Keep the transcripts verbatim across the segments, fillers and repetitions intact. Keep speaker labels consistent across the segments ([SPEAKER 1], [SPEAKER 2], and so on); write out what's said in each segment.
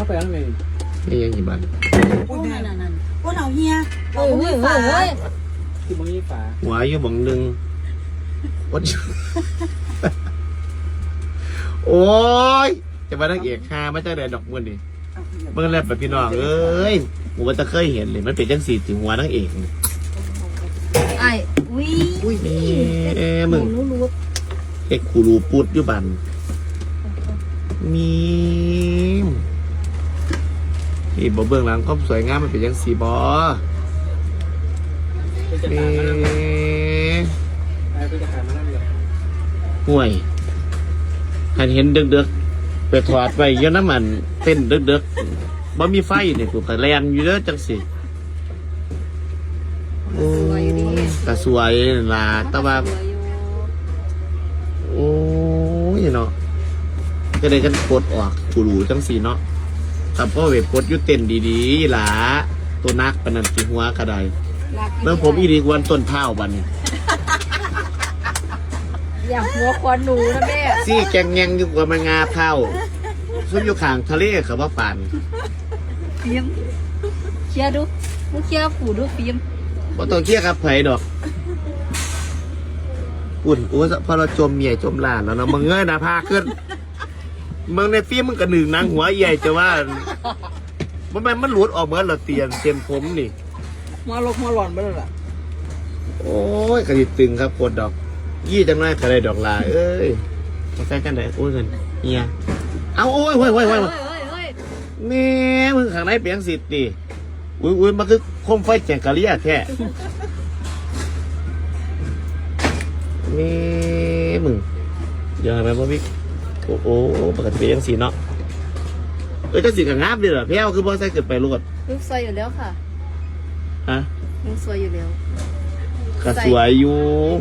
[SPEAKER 1] ไปข้างใน
[SPEAKER 2] นี่ยังกี่บาท
[SPEAKER 3] โอ้นั่นนั่นโอ้เราเฮียเรา
[SPEAKER 4] เฮ้ย
[SPEAKER 3] ไม่
[SPEAKER 4] เฮ้ย
[SPEAKER 3] ฝา
[SPEAKER 4] เฮ้ย
[SPEAKER 1] ที่มึงยี่ฝา
[SPEAKER 2] หัวอยู่บังหนึ่งวัดโอ้ยจะมาตั้งเอกฮาไม่ใช่แดดดอกมันดิเมื่อแรกแบบพี่น้องเอ้ยผมว่าจะเคยเห็นเลยมันเป็นจังสีถึงหัวตั้งเอก
[SPEAKER 4] ไอ้วิ
[SPEAKER 2] อุ้ยเอ้มึง
[SPEAKER 4] รู้รู้
[SPEAKER 2] เอกคูรูปุดอยู่บันมีนี่บ่เบื้องหลังความสวยงามมันเป็นจังสีบอเอ๊ะ
[SPEAKER 1] ไอ้เป็นทหารมานั่งเลย
[SPEAKER 2] ห่วยหันเห็นดึกๆไปถอดไปเยอะน้ำมันเต้นดึกๆบ่มีไฟเนี่ยกูก็แลนอยู่เด้อจังสิโอ้แต่สวยล่ะแต่ว่าโอ้ยเนาะก็ได้กันกดออกกูรู้จังสิเนาะแต่พ่อเวทกดยุเต้นดีๆล่ะตัวนักปนันติหัวกระไดเมื่อผมอีดีกวันต้นเท้าบัน
[SPEAKER 4] อยากหัวควันหนูนะแม่
[SPEAKER 2] ซี่แกงแงงอยู่กว่ามันงาเท้าซึ่งอยู่ข้างทะเลเขาว่าปาน
[SPEAKER 4] ฟิล์มเคลียร์ดูมึงเคลียร์ผูดูฟิล์ม
[SPEAKER 2] บ่ต้องเครียดครับไผดอกปุ่นอู้พอเราจมเมียจมหลานแล้วเนาะมึงเงยหน้าผากขึ้นมึงในฟิล์มมึงกระหนึ่งนางหัวใหญ่จะว่ามันมันมันหลุดออกเหมือนเราเตียนเต็มผมนี่
[SPEAKER 3] มาลกมาหลอนไปแล้วล่ะ
[SPEAKER 2] โอ้ยกระดิตึงครับกดดอกยี่จังไรกระไรดอกลาเอ้ยมาใส่กันได้โอ้ยเงินเฮียเอาโอ้ยโอ้ยโอ้ยโอ้ย
[SPEAKER 4] เฮ้ยเฮ้ยเฮ้ย
[SPEAKER 2] แม่มึงข้างในเปียงสิทธิ์ดิอุ้ยอุ้ยมันคือโคมไฟแจงกะเลียแท้แม่มึงยังไงบ้างพี่โอ้โหปกติเปียงสีเนาะเอ้ยจะสีกับงาบดิเหรอพี่เอาคือบ่ใส่เกิดไปรวด
[SPEAKER 4] ลูกสวยอยู่แล้วค่ะ
[SPEAKER 2] ฮะ
[SPEAKER 4] ลูกสวยอยู่แล้ว
[SPEAKER 2] ก็สวยอยู่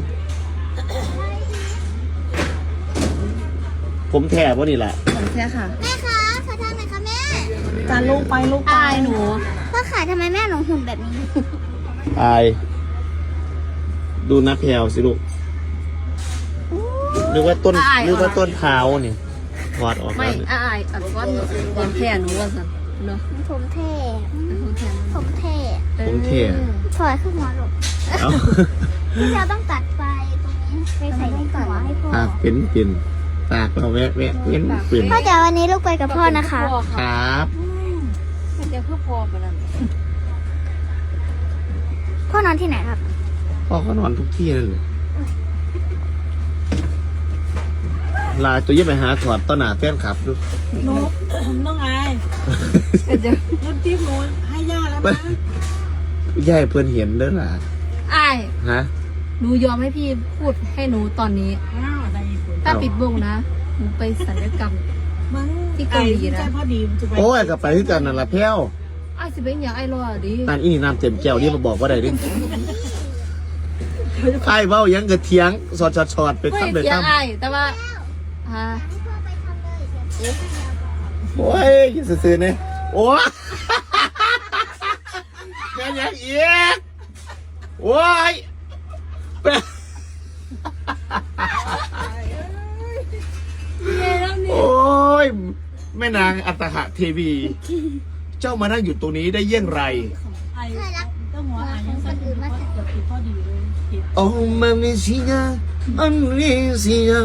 [SPEAKER 2] ผมแถบว่านี่แหละ
[SPEAKER 4] ผมแค่ค่ะ
[SPEAKER 5] แม่คะขอทานหน่อยค่ะแม่
[SPEAKER 3] จานลูกไปลูกไป
[SPEAKER 4] อายหนู
[SPEAKER 5] พ่อขาทำไมแม่หนูหุ่นแบบนี้
[SPEAKER 2] อายดูนะแพลวสิลูกนึกว่าต้นนึกว่าต้นเท้านี่ถอดออก
[SPEAKER 4] ไม่
[SPEAKER 2] แล้ว
[SPEAKER 4] อายอัดก้อนผมแค่หนูว่าสันเนาะ
[SPEAKER 5] ผมเท่
[SPEAKER 4] ผมแค่
[SPEAKER 5] ผมเท่
[SPEAKER 2] ผมเท่
[SPEAKER 5] ถอยขึ้นหัวหลบ
[SPEAKER 2] เอ้า
[SPEAKER 5] ที่เราต้องตัดไฟตรงนี้ไปใส่ในหัวให้พ่อ
[SPEAKER 2] ปากเป็นเป็นปากเราแวะแวะเป็นเป็น
[SPEAKER 5] พ่อเดี๋ยววันนี้ลูกไปกับพ่อนะคะ
[SPEAKER 2] ครับ
[SPEAKER 4] มันจะเพื่อพอไปแล้ว
[SPEAKER 5] พ่อนอนที่ไหนครับ
[SPEAKER 2] พ่อเขานอนทุกที่เลยลาตัวยิ่งไปหาถอดต้นหนาแฟนขับดู
[SPEAKER 3] หนูต้องไง
[SPEAKER 4] เดี๋ยว
[SPEAKER 3] รุ่นที่หนูให้ย่าแล้วนะ
[SPEAKER 2] ย่ายเพื่อนเห็นเด้อล่ะ
[SPEAKER 4] อาย
[SPEAKER 2] ฮะ
[SPEAKER 4] หนูยอมให้พี่พูดให้หนูตอนนี้
[SPEAKER 3] อ้าวอะไรอีกคน
[SPEAKER 4] ถ้าปิดวงนะหนูไปศัลยกรรม
[SPEAKER 3] มึง
[SPEAKER 4] ที่เกาหลีนะ
[SPEAKER 3] ใจพอดีจะไป
[SPEAKER 2] โอ้ยกับไปที่กันนั่นละแพ้ว
[SPEAKER 4] อ้ายสิเป็นอย่างไอ้รอดิ
[SPEAKER 2] นั่นอีนี่น้ำเต็มแก้วนี่มาบอกว่าได้ดิไอ้เบ้ายังกระเทียงสอดสอดสอดไป
[SPEAKER 4] เฮ้ย
[SPEAKER 2] ทำเลย
[SPEAKER 4] เสีย
[SPEAKER 2] ทำ
[SPEAKER 4] อายแต่ว่าฮะ
[SPEAKER 5] พ่อไปทำเลย
[SPEAKER 2] โอ้ยอย่าซื่อๆเนี่ยโอ้ยแค่ยังเอียดโอ้ยโอ้ยแม่นางอัตหะเทวี เจ้ามานั่งอยู่ตรงนี้ได้เยี่ยงไร
[SPEAKER 3] ไอ้ต้องหัวไอ้ยังสั่นอยู่ว่าจะผิดพอดีเลยผิด
[SPEAKER 2] โอ้มาเมซินาอันนี้สินา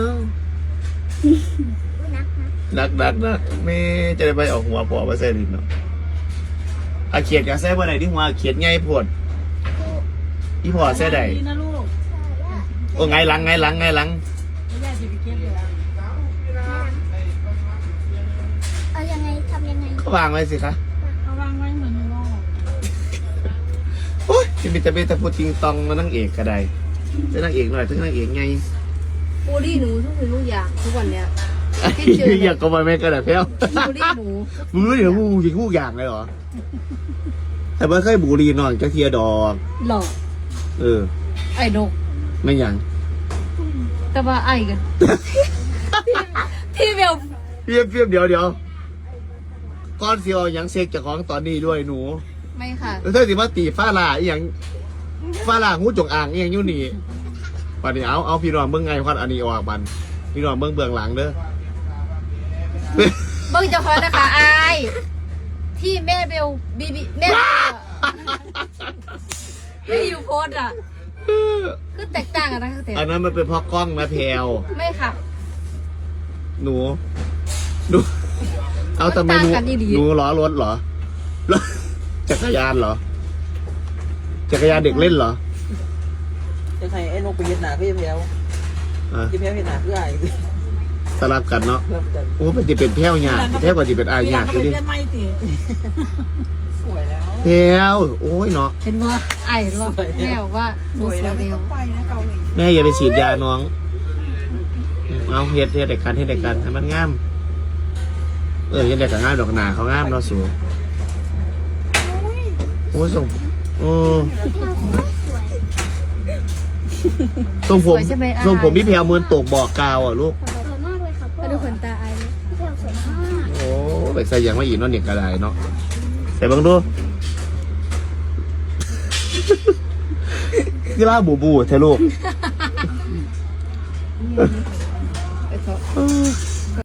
[SPEAKER 2] นักนักนักไม่จะได้ไปออกหัวปอมาใส่ดินเนาะอาเขียดกับแซ่บ่ได้ที่หัวเขียดไงปวดอีพอแซ่ได้
[SPEAKER 3] ดีนะลูก
[SPEAKER 2] โอ้ไงหลังไงหลังไงหลัง
[SPEAKER 3] ไม่ได้จะไปเก็บเลย
[SPEAKER 5] เอายังไงทำยังไง
[SPEAKER 2] ก็วางไว้สิคะ
[SPEAKER 3] เอาวางไว้เหมือนโลก
[SPEAKER 2] โอ้ยจะมีแต่เป็นแต่พูดจริงตองมานั่งเอกก็ได้จะนั่งเอกหน่อยถึงนั่งเอกไง
[SPEAKER 4] บูลลี่หนูทุกสิ่งทุกอย่างทุกวันเนี้ย
[SPEAKER 2] อยากก็มาแม่ก็ได้เพี้ยว
[SPEAKER 4] บูลลี่หนู
[SPEAKER 2] มึงรู้เหรอมึงยิงคู่อย่างเลยเหรอแต่ไม่เคยบุรีนอนจะเทียดอก
[SPEAKER 4] หลอก
[SPEAKER 2] เออ
[SPEAKER 4] ไอ้ดก
[SPEAKER 2] ไม่ยัง
[SPEAKER 4] แต่ว่าไอ้กันที่เบล
[SPEAKER 2] เพียบเพียบเดี๋ยวเดี๋ยวก้อนเสียวยังเซ็กจากของตอนนี้ด้วยหนู
[SPEAKER 4] ไม่ค่ะ
[SPEAKER 2] แล้วเธอสิมาตีฟ้าลาอหย่างฟ้าลาหูจงอ่างอหย่างอยู่นี่ปันนี้เอาเอาพี่น้องเบิ่งไงควันอันนี้ออกบันพี่น้องเบิ่งเบื้องหลังเด้อ
[SPEAKER 4] เบิ่งเจ้าของนะคะไอ้ลบีบีแม่ไม่อยู่โพสอ่ะคือแตกต่างกันนะคือแต่
[SPEAKER 2] อันนั้นมันเป็นเพราะกล้องนะแพลว
[SPEAKER 4] ไม่ค่ะ
[SPEAKER 2] หนูหนูเอาทำไมหนู
[SPEAKER 4] มันต่างกันอีหลี
[SPEAKER 2] หนูล้อรถเหรอรถจักรยานเหรอจักรยานเด็กเล่นเหรอ
[SPEAKER 1] จะใครไอ้นกไปเห็ดหนาก็จะแพ้ว
[SPEAKER 2] อ่ะ
[SPEAKER 1] จะแพ้วเห็ดหนาเพื่ออะไร
[SPEAKER 2] สลับกันเนาะ
[SPEAKER 1] เพิ่มเติม
[SPEAKER 2] โอ้มันจะเป็นแพ้วหยาดแพ้วกว่าจะเป็นอายหยาดดูดิ
[SPEAKER 1] สวยแล้ว
[SPEAKER 2] แพ้วโอ้ยเนาะ
[SPEAKER 4] เห็นว่าไอ้เห็นว่าแม่บอกว่าหนูสวยเร็ว
[SPEAKER 2] แม่อย่าไปฉีดยาน้องเอาเฮ็ดเฮ็ดเด็กกันเฮ็ดเด็กกันให้มันงามเออเฮ็ดเด็กกันงามดอกหนาเขางามเนาะสูโอ้ยส่งโอ้ส่งผมส่งผมพี่แพรวเหมือนตกบอกกาวอ่ะลูก
[SPEAKER 5] สวยมากเลยค่ะพ่อ
[SPEAKER 4] มาดูขนตาไอ้เลย
[SPEAKER 5] พี่แพลวสวยมาก
[SPEAKER 2] โอ้ไปใส่ยังไม่อีกเนาะเนี่ยกระไดเนาะใส่เบังดูกีฬาบูบูเธอลูก
[SPEAKER 4] ไปเถอะ